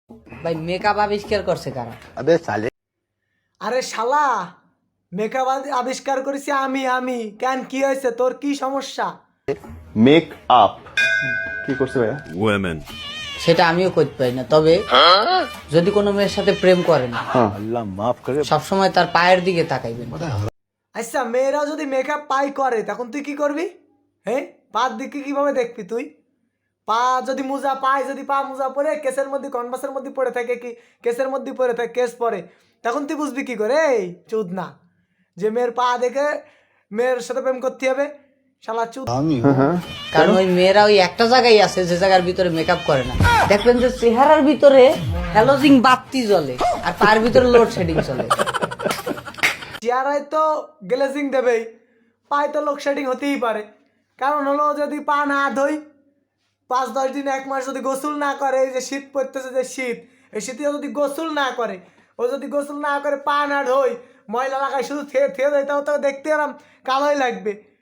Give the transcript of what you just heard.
ভাই মেকআপ আবিষ্কার করছে কারা? আরে শালা, মেকআপ আবিষ্কার করেছি আমি। কেন, কি হয়েছে তোর, কি সমস্যা? মেক আপ কি করছে ভাইয়া? women. সেটা আমিও করতে পারি না, তবে যদি কোনো মেয়ের সাথে প্রেম করেন আল্লাহ মাফ করে। সবসময় তার পায়ের দিকে তাকাইবেন। আচ্ছা, মেয়েরাও যদি মেকআপ পাই করে তখন তুই কি করবি? হ্যাঁ, পার দিকে কিভাবে দেখবি তুই? পা যদি মোজা পায়, যদি পা মোজা পরে কেসের মধ্যে, কনভাসের মধ্যে পড়ে থাকে, কি কেসের মধ্যে পড়ে থাকে, কেস পরে, তখন তুই বুঝবি কি করে এই চুদ না যে মেয়ের পা দেখে মেয়ের সাথে প্রেম করতে হবে? শালা চুদ। কারণ ওই মেয়েরা ওই একটা জায়গায় আছে যে জায়গার ভিতরে মেকআপ করে না। দেখবেন যে চেহারার ভিতরে হ্যালোজিং বাতি জ্বলে আর তার ভিতরে লোডশেডিং চলে। চেয়ারায় তো গ্লেজিং দেবেই, পায়ে তো লোডশেডিং হতেই পারে। কারণ হলো যদি পা না ধোই, 5-10 দিন 1 মাস যদি গোসল না করে, এই যে শীত পড়তেছে, যে শীত, এই শীতে যদি গোসল না করে, ও যদি গোসল না করে, পা না ধোই, ময়লা লাগায় শুধু থেয়ে দেয়, তাও তো দেখতে এরম কালোই লাগবে।